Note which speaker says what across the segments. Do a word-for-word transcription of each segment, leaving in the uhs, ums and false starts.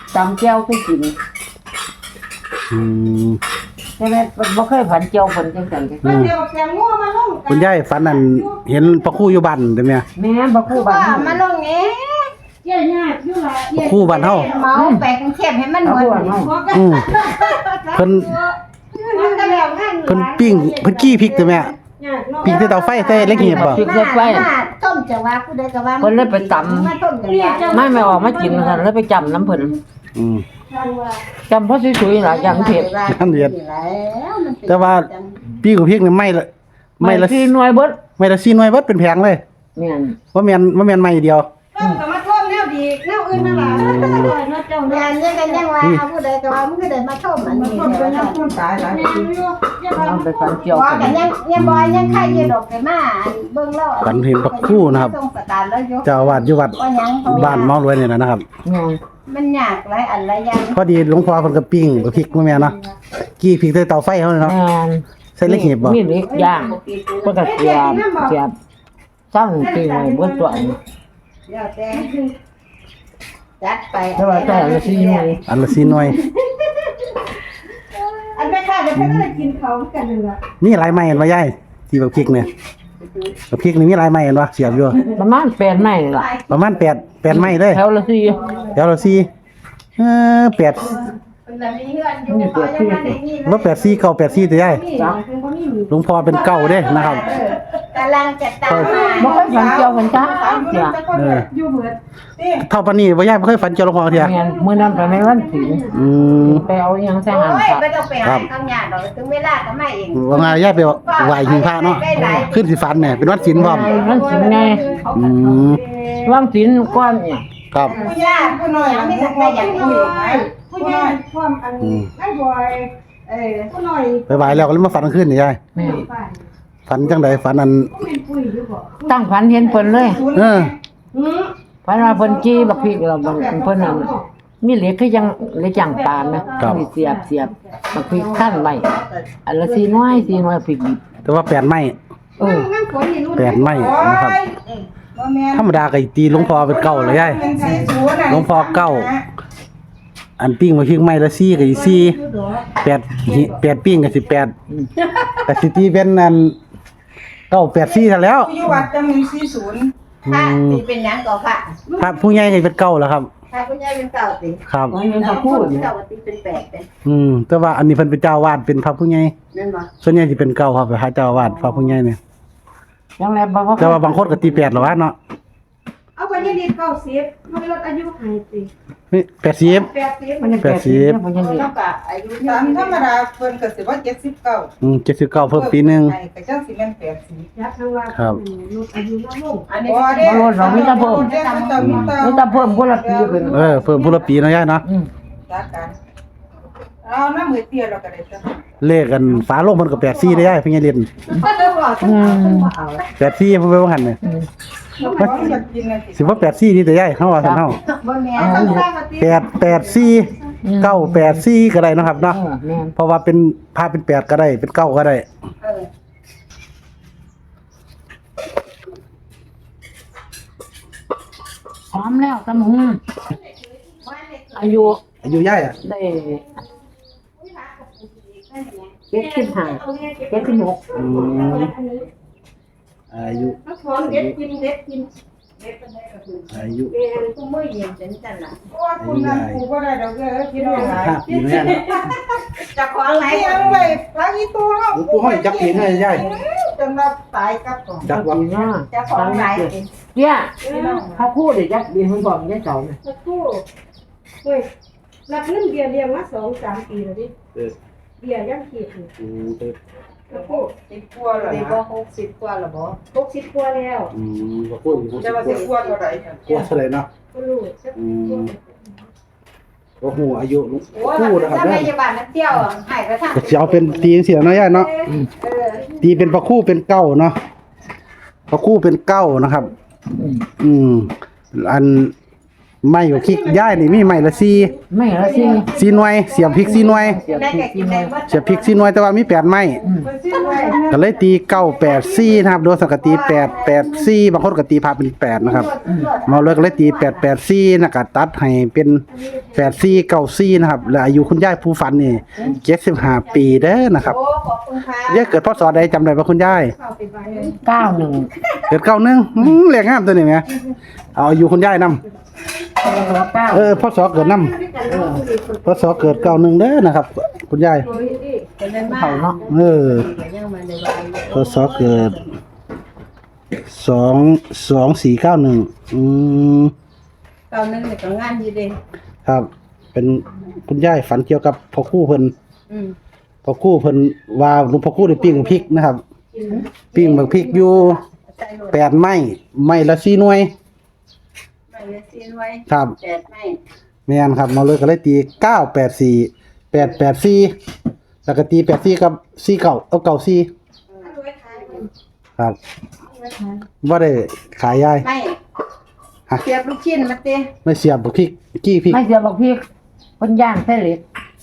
Speaker 1: ตำแก้วคือกิน
Speaker 2: อืม
Speaker 1: ใช่ไหมบ่เคยผันเจียวผันจังซั่นจัง
Speaker 3: เดี๋ยวแกงงัวมาลง
Speaker 2: คุณยายฝันนั่นเห็นพระครูอยู่บ้านได้ไหม
Speaker 1: แม่บ่คู่บ้าน
Speaker 3: มาลงเอ๊ะเยี่ยยากอยู่ล่ะ
Speaker 2: พระครูบ้านเฮา
Speaker 3: เมาแปะกรุงเทพให้มันหมด
Speaker 2: อืมเพิ่น
Speaker 3: มันก็แล้วงาน
Speaker 2: เพิ่นปิ้งเพิ่นกี้พริกได้ไหมปิ้งใส่เตาไฟใส่เล็กเหียบบ่
Speaker 1: พริกใส่ไฟ
Speaker 3: ต้มจะว่าผู้ใดก็ว่า
Speaker 1: เพิ่นเลยไปตำ
Speaker 3: มาต้มจะว่า
Speaker 1: ไม่ไม่ออกมากินกันแล้วไปจำน้ำเพิ่น
Speaker 2: อืม
Speaker 1: จำเพราะสวยๆหลายอย่างเผ็ด
Speaker 2: อันเดียดแต่ว่าปิ้งกับพริกนี่ไม่ละไม่ละ
Speaker 1: ที่หน่วยเบิด
Speaker 2: ไม่ละสี่หน่วยเบิดเป็นแผงเลย
Speaker 1: แม่น
Speaker 2: ว่าแม่นว่าแม่นไม่เดียว
Speaker 3: ต้มก็มาต้มแนวดีแนวอื่นนั่นล่ะเจ้าเนี่ยยังกันยังว่าเอาผู้ใดก็ว่ามึงก็เดินมาต้มอันนี้ต้มเป็นน้ำต้มตายหลายปี
Speaker 1: เอาไปผันเจียว
Speaker 3: ว่า
Speaker 1: กั
Speaker 3: กัน นยังยังบ่ยังใครอยู่ดอกไปมาเบิ่งแล้ว
Speaker 2: ฝันเห็นพระครูนะครับ
Speaker 3: ส่งสตาร์แล้วยก
Speaker 2: เจ้าอาวาสอยู่วัด
Speaker 3: ว่าหยังเขา
Speaker 2: บ้านเมารวยนี่แหละนะครับ
Speaker 1: แม่น
Speaker 3: มันยากหลายอันหลายอย่าง
Speaker 2: พอดีหลวงพ่อเพิ่นก็ปิ้งกับพริกมาแม่เนาะกี้พริกใส่เตาไฟเฮาเนาะ
Speaker 1: แม่น
Speaker 2: ใส่เล็กเหียบบ่
Speaker 1: มีเล็กย่างเพิ่นก็เสียบเสียบซ้ำตีไว้เบิดตัวอัน
Speaker 3: เดี๋ยวแต่จัดไป
Speaker 1: แต่ว่าแต่ละสี่หน่วย
Speaker 2: อันละสี่หน่วย
Speaker 3: อันแม่ค้าเดี๋ยวเพิ่นก็ได้กินเขากันนั่นล่ะ
Speaker 2: มีหลายไม้เห็นบ่ยายที่บักพริกเนี่ยบักพริกนี่มีหลายไม้เห็นบ่เสียบอยู่
Speaker 1: ประมาณแปดไม้นี่ล่ะ
Speaker 2: ประมาณแปด แปดไม้เลย
Speaker 1: แถวละสี่
Speaker 2: เดี๋ยวเราสี่เออแปด
Speaker 3: เพิ่นน่ะมีเฮือนอยู่เขายังมาได้นี่
Speaker 2: บ่แปดสี่เก้าแปดสี่ตัวใหญ่
Speaker 3: นี่เพิ่นบ่มีหนี
Speaker 2: หลวงพ่อเป็นเก้าเด้นะครับ
Speaker 3: เออกำลังจะตาม
Speaker 1: บ่เคยผันเจียวผันจ้าเสีย
Speaker 2: เออ
Speaker 3: อยู่เหมือนนี่
Speaker 2: เท่าปานนี้บ่ยายบ่เคยฝันเจอหลวงพ่อเที่ย
Speaker 1: แม่นมื้อนั้นไปในวันศีล
Speaker 2: อืม
Speaker 1: ไปเอาอิหยังใส่หัน
Speaker 3: โอ้ย
Speaker 1: ครับ
Speaker 3: ไม่ต้องไปหาข้างหน้าดอกถึงเวลาก็มาเอง
Speaker 2: ว่าไงยายไปไหว้หิ้งพระเนาะขึ้นสิฝันเนี่ยเป็นวันศีลพร้อม
Speaker 1: วันศีลไง
Speaker 2: อืม
Speaker 1: วันศีลก่อนเนี่ย
Speaker 2: ครับ
Speaker 3: ผู้ย่าผู้น้อยไม่ทันได้อย่างนี้ผู้ย่าความอันไอ้บอยเออผู้น้อย
Speaker 2: ไปไหว้แล้วก็เลยมาฝันกลางคืนนี่ยาย
Speaker 1: แม่น
Speaker 2: ฝันจังไดฝันอัน
Speaker 3: เป็นปุ้ยอยู่บ่
Speaker 1: ตั้งฝันเห็นเพิ่นเลย
Speaker 2: เออ
Speaker 3: หือ
Speaker 1: ฝันว่าเพิ่นจี้บักพริกเราเพิ่นนั่นมีเหล็กคือยังเหล็กย่างปานนะมีเสียบเสียบบักพริกคั่นไว้อันละสี่หน่วยสี่หน่วยพริกดิบ
Speaker 2: แต่ว่าแปดไม้
Speaker 1: เออ
Speaker 3: งั้นฝนนี่รุ่น
Speaker 2: แปดไม้นะครับ
Speaker 3: บ่แม่น
Speaker 2: ธรรมดาก็ตีหลวงพ่อเป็นเก้าเลยยาย
Speaker 3: เป็นสี่ศูนย์น่ะ
Speaker 2: หลวงพ่อเก้า อันปิ้งมาพริกไม้ละสี่ก็สิสี่แปดหิแปดปิ้งก็สิแปดก็สิตีเป็นอันเก้าแปดสี่ซะแล้ว
Speaker 3: อยู่วัดจะมีสี่ศูนย์ค่ะนี่เป็นหยังก็ค่ะ
Speaker 2: พระผู้ใหญ่ก็เป็นเก้าแล้วครับ
Speaker 3: ถ้าผู้ใหญ่เป็นเก่าติ
Speaker 2: ครับ
Speaker 1: มันเป็นข้าวพูด
Speaker 3: เก่าติเป็นแปดเป็น
Speaker 2: อืมแต่ว่าอันนี้เพิ่นเป็นเจ้าอาวาสเป็นพระผู้ใหญ่
Speaker 3: นั่นบ่
Speaker 2: ส่วนใหญ่สิเป็นเก้าครับพระเจ้าอาวาสพระผู้ใหญ่เนี่ย
Speaker 1: ยังไงบ่ว่า
Speaker 2: แต่ว่าบางคนก็ตีแปดแล้ววะเนาะ
Speaker 3: เอาไปยี่ดีเก้าสิบมันลดอายุให้ติ
Speaker 2: นี่แปดสิบ
Speaker 3: แปดสิบ
Speaker 1: มันยัง
Speaker 2: แปดสิบ
Speaker 1: มันยังดี
Speaker 3: เท่ากับอายุ
Speaker 4: ตามธรรมดาเพิ่นก็สิว่าเจ็ดสิบเก้า
Speaker 2: อืมเจ็ดสิบเก้าเพิ่มปีหนึง
Speaker 4: ไอ้ก็จังสิแม่นแปดสิบ
Speaker 3: ยักษ์ทั้งว่า
Speaker 2: ครับ
Speaker 3: ลดอายุน้อยลงอันนี้
Speaker 4: บ่เด้
Speaker 1: บ่ลดเรามีแต่เพิ่ม
Speaker 4: เด้เขาเจ้ามีแต่
Speaker 1: มีแต่เพิ่มคนละปีขึ้น
Speaker 2: เออเพิ่มผู้ละปีเนาะยายเนาะ
Speaker 1: อืม
Speaker 4: รักกันเอาน้ำมือเตี้ยเราก็ได้จ้ะ
Speaker 2: เลขกันฝาโลงเพิ่นก็แปดสี่ได้ยายเพิ่นยังเรียน
Speaker 3: ก็เลยบอกทั้งหมดทั้งหมดเอา
Speaker 2: แปดสี่เพิ่นไปว่าหั่นน่ะ
Speaker 1: อืม
Speaker 4: บ่อยากกินน่ะสิ
Speaker 2: สิว่าแปดสี่นี่แต่ยายเฮาว่าซั่นเฮา
Speaker 3: บ่แม่นต้องสร้างมาติ
Speaker 2: แปดแปดสี่เก้าแปดสี่ก็ได้เนาะครับ
Speaker 1: เอ
Speaker 2: เนาะ
Speaker 1: อแม่น
Speaker 2: เพราะว่าเป็นพาเป็นแปดก็ได้เป็นเก้าก็ได้
Speaker 3: เออ
Speaker 1: พร้อมแล้วตำหุงอายุ
Speaker 2: อายุยายอ่ะ
Speaker 1: ได้เจ็ดสิบห้าเจ็ดสิบหก
Speaker 2: อืมอายุ
Speaker 3: ถ้าพร้อมเด็ดกินเด็ดกินเด็ดเป็นได้ก็คือ
Speaker 2: อายุ
Speaker 3: เป็นกูมื้อเย็นจังจังล่ะ
Speaker 4: โอ้ยคุณนั่นกูบ่ได้ดอกเด้อกินได้หลาย
Speaker 2: ห้าปีแล้วเนี่ยเนาะ
Speaker 3: จะขออะไร
Speaker 4: เลี้ยงไว้ปลาอีตัวเฮา
Speaker 2: หลวงปู่ห้อยจักปีให้ยาย
Speaker 4: จนว่าตายกับก่อน
Speaker 2: จักว่า
Speaker 1: ปีหน้า
Speaker 3: จะขออะไรกิน
Speaker 1: เนี่ยถ้าพูดเดี๋ยวจะบินคุณบอกยังเก่าเนี่ย
Speaker 5: สักครู่เฮ้ยรับเงินเบียร์เลี้ยงมาสองสามปีแล้วดิ
Speaker 2: เออ
Speaker 5: เบียร์ยังขีดอยู่
Speaker 2: อืมเออ
Speaker 5: สักครู่
Speaker 4: สิบกว่าแล้ว
Speaker 3: สิ
Speaker 4: นะ
Speaker 3: บ่หกสิบกว่าแล้วบ่
Speaker 5: หกสิบกว่าแล้ว
Speaker 2: อืมบ่พูดอยู่
Speaker 4: จะว่าสิบกว่าเท่าไหร่
Speaker 2: กลัวเท่าไหร่เนาะ
Speaker 5: ก็รู้สัก
Speaker 2: อืมบ่ฮู้อายุหลวง
Speaker 3: โอ้ย
Speaker 2: ปู่นะครับ
Speaker 3: ถ้า
Speaker 2: เด้
Speaker 3: ไม่
Speaker 2: อ
Speaker 3: จะบ้านนักเที่ยวให้กระทั่ง
Speaker 2: ก็สิเอาเป็นตีจังซี่เนาะยายเนาะ
Speaker 3: เออ
Speaker 2: ตีเป็นพระคู่เป็นเก้าเนาะพระคู่เป็นเก้านะครับ อืม อันไม่บักพริกย่ายนี่มีไม้ละสี่
Speaker 1: ไม่ละสิ
Speaker 2: สี่หน่วยเสียบพริกสี่หน่วย
Speaker 1: เสียบ
Speaker 3: ได้
Speaker 1: พริ
Speaker 3: แก่
Speaker 1: ก
Speaker 3: กิ
Speaker 1: กิ
Speaker 3: น
Speaker 1: น
Speaker 3: ได้
Speaker 1: เลย
Speaker 3: ว่า
Speaker 2: เสียบพริกสี่หน่วยแต่ว่ามีแปดไม้
Speaker 1: อืม
Speaker 2: ก็เลยตีเก้าแปดสี่นะครับโดยสังกตีแปดแปดสี่บางคนก็ตีพาเป็นแปดนะครับเมาเลยก็เลยตีแปดแปดสี่นะก็ตัดให้เป็นแปดสี่เก้าสี่นะครับและอายุคุณยายผู้ฝันนี่เจ็ดสิบห้าปีเด้อนะครับ
Speaker 3: โอ้ขอบคุณค่ะ
Speaker 2: ยายเกิดพศใดจำได้ป่ะคุณยาย
Speaker 5: เข้าไปไว้
Speaker 1: เก้าหนึ่ง
Speaker 2: เกิดเก้าหนึ่งอืมเรียกงามตัวนี้ไหมเอาอายุคุณยายนำ
Speaker 1: เก้า
Speaker 2: เออพศเกิดนำพศเกิดเก้าหนึ่งเด้อนะครับ คุณยาย
Speaker 3: เป็นเรื่องมาก
Speaker 1: เขาเนาะ
Speaker 2: เออ
Speaker 3: ยังมาในวั
Speaker 2: พศเกิดสองสองสี่เก้าหนึ่งอืม
Speaker 3: เก่านึงเนี่ยก็งานดีเด้
Speaker 2: ครับ เป็นคุณยายฝันเกี่ยวกับพ่อครู่เพิ่น
Speaker 3: อืม
Speaker 2: พ่อครู่เพิ่นว่าหลวงพ่อครู่ได้ปิ้งพริกนะครับ ปิ้งบักพริกอยู่
Speaker 3: ใส่โหลด
Speaker 2: แปดไม้ไม้ละสี่หน่วย
Speaker 3: ไม่เลยซีนไว้
Speaker 2: ครับ
Speaker 3: แปดไม่
Speaker 2: แม่นครับมาเลยก็เลยตีเก้าแปดสี่แปดแปดสี่แล้วก็ตีแปดสี่กับสี่เก้าเอาเก้าสี่ครับบ่ได้ขายยาย
Speaker 3: ไม่
Speaker 2: ฮะ
Speaker 3: เสียบลูกชิ้นมาเต้
Speaker 2: ไม่เสียบบักพริกกี้พริก
Speaker 1: ไม่เสียบบักพริกเพิ่นย่างใส่เหล็ก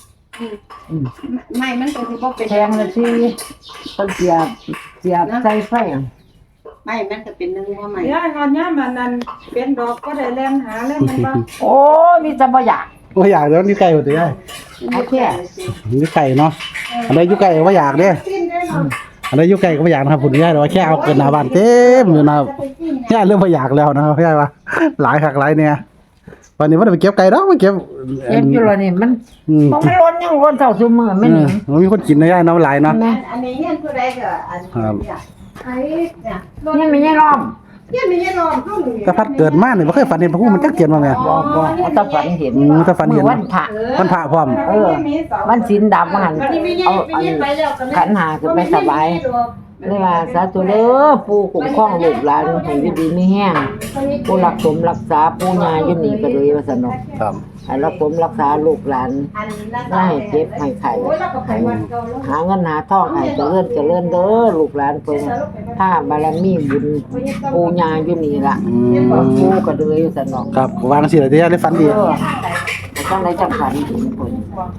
Speaker 3: ไม่มันก็สิบ่เป็น
Speaker 1: แทงละสิเพิ่นเสียบเสียบใส่ไฟอะ
Speaker 3: ไม่มันก็เป็นนึงว่าไม่
Speaker 4: ยายงานยามมันนั่นเป็นดอกก็ได้แล่นหาเล่นมันบ่
Speaker 1: โอ้ยมีแต่บ่อยาก
Speaker 2: ว่าอยากแล้วนี่ไก่บ่ได้ยาย
Speaker 1: เอาแค่
Speaker 2: นี่ไก่เนาะอันใดอยู่ไก่ก็บ่อยากเด้อันใดอยู่ไก่ก็บ่อยากนะครับคุณยายแต่ว่าแค่เอาเกินหน้าบ้านเต็มอยู่นะครับยายเริ่มบ่อยากแล้วนะครับยายว่าหลายคักหลายเนี่ยวันนี้บ่ได้ไปเก็บไก่ดอกไปเก็บ
Speaker 1: เอ็นอยู่แล้วนี่มัน
Speaker 2: อืม
Speaker 1: บ่มันล้นยังล้นเท่าซุมื้อแม่น
Speaker 2: เอ
Speaker 1: นี่
Speaker 2: อมันมีคนกินนะยายเนาะหลายเนาะ
Speaker 1: แม่
Speaker 3: อันนี้เฮียนผู้ใดก็อัน
Speaker 2: ครับ
Speaker 3: เนี่ย
Speaker 5: ไอ้
Speaker 3: เนี่ย
Speaker 1: ยังมียังล้อม
Speaker 5: เนี่ยมียายรอมเข้าหนึ่ง
Speaker 2: แต่พัดเกิดมาเนี่ยบ่เคยฝันเห็นพระผู้มันจักเกียนมาแม่
Speaker 1: บ่บ่เอาแตาฝันเห็น
Speaker 2: อืมแต่ฝันเห็น
Speaker 1: มื้อวันพระ
Speaker 2: มันพระพร้อม
Speaker 1: เออมันศีลดำหันเอาอันขันหาขึ้นไปสบายเลยว่าสาธุเด้อปู่คุ้มครองลูกหลานให้อยู่ดีมีแห้งผู้รักสมรักษาปู่ย่าอยู่นี่ก็เลยว่าซั่นเนาะ
Speaker 2: ครับ
Speaker 1: ให้รักสมรักษาลูกหลาน
Speaker 3: อันนั้น
Speaker 1: อย่าให้เจ็บให้ไข้ให้หาเงินหาทองให้เจริญเจริญเด้อลูกหลานเพิ่นถ้าบารมีบุญปู่ย่าอยู่นี่ล่ะ
Speaker 2: อืม
Speaker 1: ปู่ก็เลยว่าซั่นเนาะ
Speaker 2: ครับวางสิล่ะที่ยายได้ฝันดี
Speaker 1: เออจังไดจังฝันเห็นเพิ่น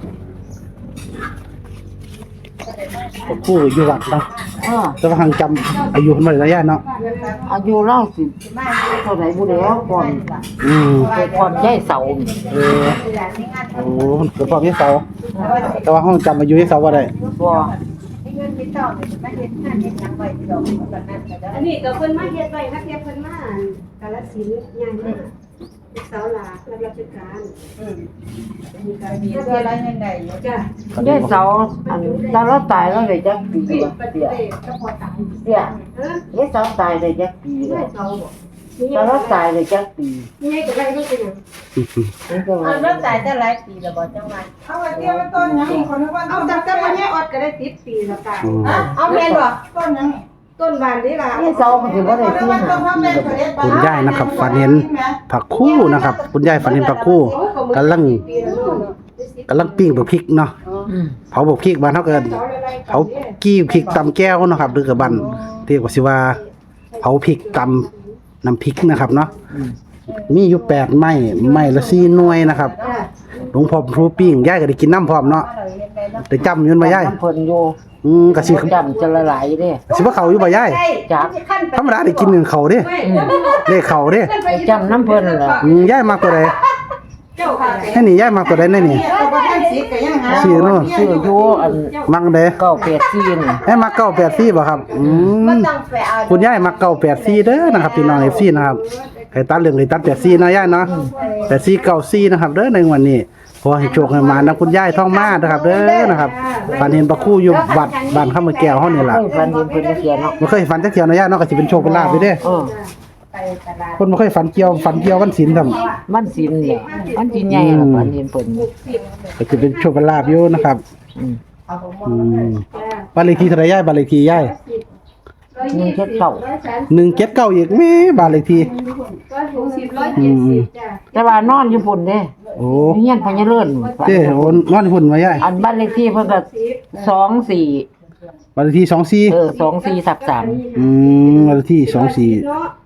Speaker 2: พระผู้อยู่วัดเนาะ
Speaker 1: เออ
Speaker 2: แต่ว่าหังจำอายุเพิ่นบ่ได้นะยายเนาะ
Speaker 1: อายุเราสิเท่าไหร่บ่แล้วก่อน
Speaker 2: อืม
Speaker 1: เกิดก่อนยายเสา
Speaker 2: เออโอ้เกิดพร้อมยายเสาแต่ว่าห้องจำอายุยายเสาบ่ได้
Speaker 1: บ่
Speaker 3: เงินที่ต้องเนี่ยไม่เฮ็ดงานเฮ็ดหยังไว้ที่ดอกแบบนั้นก็ได้
Speaker 5: อันนี้ก็เพิ่นมาเฮ็ดไว้นักเรียนเพิ่นมากาฬสินธุ์ใหญ่มากลูกสาวหลานรับราชการ
Speaker 3: อืมมีการมีเพื่ออะไรเงินได้อยู่
Speaker 5: จ้ะ
Speaker 1: ยายเสาอันตอนเราตายเราได้จักปี
Speaker 5: ปิด
Speaker 1: บ่
Speaker 5: ปฏิ
Speaker 1: เสีย
Speaker 5: เสธก็พอตาย
Speaker 1: เสีย
Speaker 5: เออย
Speaker 1: ายเสาตายได้จักปี
Speaker 5: ได้
Speaker 1: แล้ว
Speaker 5: เสาบ่
Speaker 1: ตอนเราตายได้จักปี
Speaker 5: นี่ไงก็ได้ก็เป็นหยัง
Speaker 1: นี่ก็
Speaker 3: เอา
Speaker 1: ว่า
Speaker 3: เริ่มจ่ายแต่หลายปีแล้วบ่จังหวัด
Speaker 4: เอาไว้เตี้ยมันต้นหยังคนนึกว่า
Speaker 5: เอา
Speaker 4: ต้น
Speaker 5: จากแต่วันนี้ออดก็ได้ติดปีแล้วตาย
Speaker 2: อืม
Speaker 3: อ่ะเอาแม่นบ่
Speaker 4: ต้นหยัง
Speaker 5: ต้นบานนี่ล่ะ
Speaker 1: ยายเสาก็สิบ่ได้ที่หาปีแล้วบ่
Speaker 2: คุณยายนะครับฝันเห็นผักคู่นะครับ คุณยายฝันเห็นผักคู่กำลังกำลังปิ้งบักพริกเนาะ
Speaker 1: อืม
Speaker 2: เผาบักพริกบ้านเฮาเกินเผากี้พริกตำแก้วเนาะครับหรือกับบ้านเรียกว่าสิว่าเผาพริกตำน้ำพริกนะครับเนาะ
Speaker 1: อืม
Speaker 2: มีอยู่แปดไม้ไม้ละสี่หน่วยนะครับ
Speaker 5: จ้ะ
Speaker 2: หลวงพ่อครูปิ้งยายก็ได้กินน้ำพร้อมเนาะได้จำอยืนบ่ยาย
Speaker 1: น้ำเพิ่นอยู่
Speaker 2: อืมก็สิ
Speaker 1: จำจะละลายเด้
Speaker 2: สิว่าเขาอยู่บ่ยาย
Speaker 1: จัก
Speaker 2: ธรรมดาได้กินหนึ่งเขาเด้
Speaker 1: อืม
Speaker 2: ได้เขาเด้
Speaker 1: ไปจำน้ำเพิ่นนั่นแหละ
Speaker 2: อืมยายมักตัวใด
Speaker 5: เจ้าค่ะ
Speaker 2: ให้นี่ยายมักตัวใดแน่นี่
Speaker 4: ก็บ่ทันสิก็ยังหา
Speaker 2: ชื่อเนาะ
Speaker 1: ชื่ออยู่อัน
Speaker 2: มักเด้
Speaker 1: เก้าแปดสี่นี่
Speaker 2: ให้มักเก้าแปดสี่บ่ครับอื
Speaker 3: บ่
Speaker 2: ม
Speaker 3: ต้องไปเอา
Speaker 2: คุณยายมักเก้าแปดสี่เด้อนะครับพี่น้อง เอฟ ซี นะครับให้ตัดเรื่องให้ตัดแปดสี่นะยายเนาะแปดสี่เก้าสี่นะครับเด้อในวันนี้ขอให้โชคให้มานะคุณยายท่องมานะครับเด้อนะครับฝันเห็นพระครู่อยู่วัดบ้านข้ามมือแก้วเฮานี่ล่ะ
Speaker 1: เฮ้ยฝันเห็นเพิ่นจะเขียนเนาะ
Speaker 2: บ่เคยฝันจักเที่ยวนะยายเนาะก็สิเป็นโชคเป็นลาภไปเด้อ
Speaker 1: เออ
Speaker 3: ไปตลาด
Speaker 2: คนบ่เคยฝันเกี่ยวฝันเกี่ยววันศีลทำ
Speaker 1: มันสินเนี่ยมันสิใหญ่ล่ะฝันเห็นเพิ่น
Speaker 2: ก็สิเป็นโชคเป็นลาภอยู่นะครับ
Speaker 1: อืม
Speaker 3: เอาของ
Speaker 2: อืมบ้านเลขที่เท่าไหร่ยายบ้านเลขที่ยาย
Speaker 1: หนึ่งเจ็ดเก้า
Speaker 2: หนึ่งเจ็ดเก้าอีกแม่บ้านเลขที่
Speaker 5: ร้อยหกสิบร้อยเจ็ดสิบจ้ะ
Speaker 1: แต่ว่านอนอยู่พุ่นเด้
Speaker 2: โอ้
Speaker 1: เฮียนพญาเลิศ
Speaker 2: เด้โอ้นอนหุ่นมายาย
Speaker 1: อันบ้านเลขที่เพิ่นก็สองสี่
Speaker 2: บ้านเลขที่สองสี่
Speaker 1: เออสองสี่ทับสาม
Speaker 2: อืมบ้านเลขที่สองสี่
Speaker 5: เนาะ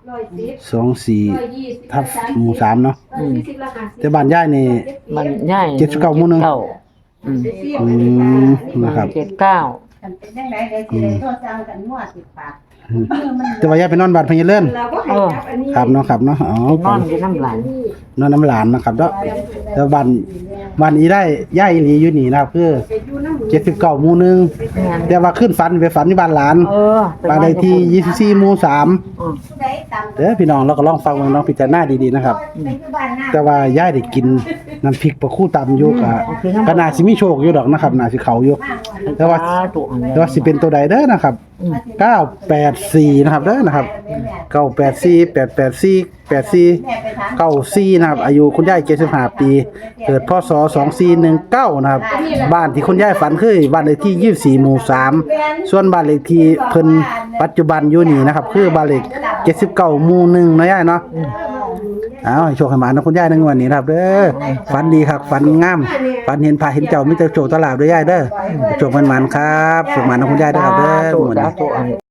Speaker 5: ร้อยสิบ
Speaker 2: สองสี่
Speaker 5: ร้อยยี่สิบ
Speaker 2: ทับหมู่สามเนาะ
Speaker 5: ร้อยสี่สิบละห้าสิบ
Speaker 2: แต่บ้านยายนี่
Speaker 1: มันใหญ่
Speaker 2: เจ็ดสิบเก้าหมู่หนึ่ง
Speaker 1: เก้าอืม
Speaker 2: อืมนะครับ
Speaker 1: เจ็ดเก้า
Speaker 3: กันเป็นจังได๋เดี๋ยวสิได้โทรสั่งกันมั่วสิปาก
Speaker 2: แต่ว่ายายไปนอนบ้านพญาเลื่อน
Speaker 5: เราก็ให้จับอันนี้
Speaker 2: ครับเนาะครับเนาะอ๋อ
Speaker 1: ไปนอนอยู่น้ำหลาน
Speaker 2: นอนน้ำหลานนะครับเนาะแต่บ้านบ้านนี้ได้ย่ายอีหลีอยู่นี่นะครับคือ
Speaker 5: ไปอยู่น้ำหมู
Speaker 2: เจ็ดสิบเก้าหมู่หนึ่งแต่ว่าขึ้นฝันไปฝันที่บ้านหลาน
Speaker 1: เออ
Speaker 2: บ้านเลขที่ยี่สิบสี่หมู่สาม
Speaker 1: อืม
Speaker 3: ผู้ใดตาม
Speaker 2: เด้อพี่น้องเราก็ลองฟังเบิ่งลองพิจารณาดีๆนะครับ
Speaker 3: ไปอยู่บ้านหน้า
Speaker 2: แต่ว่าย่ายได้กินน้ำพริกปลาคู่ตำอยู่ก็ก็น่าสิมีโชคอยู่ดอกนะครับน่าสิเข้าอยู่ แต่ว่า
Speaker 1: ตัวอันนี้
Speaker 2: แต่ว่าสิเป็นตัวใดเด้อนะครับเก้าแปดสี่นะครับเด้อนะครับเก้าแปดสี่ แปดแปดสี่ แปดสี่
Speaker 3: แม่ไปถาม
Speaker 2: เก้าสี่นะครับอายุคุณยายเจ็ดสิบห้าปี เกิดพศสองสี่หนึ่งเก้านะครับบ้านที่คุณยายฝันคือบ้านเลขที่ยี่สิบสี่หมู่สามส่วนบ้านเลขที่เพิ่นปัจจุบันอยู่นี่นะครับคือบ้านเลขเจ็ดสิบเก้าหมู่หนึ่งเนาะยายเนาะเอาให้โชคให้หมานะคุณยายในงวดนี้นะครับเด้อฝันดีครับฝันงามฝันเห็นพระเห็นเจ้ามีแต่โชคตลาดด้วยยายเด้อโชคมันๆครับโชคมันนะคุณยายเด้อครับเด้อ
Speaker 1: ตัว
Speaker 2: งวด
Speaker 1: จ้า
Speaker 2: นี้
Speaker 1: ตัวอันนี้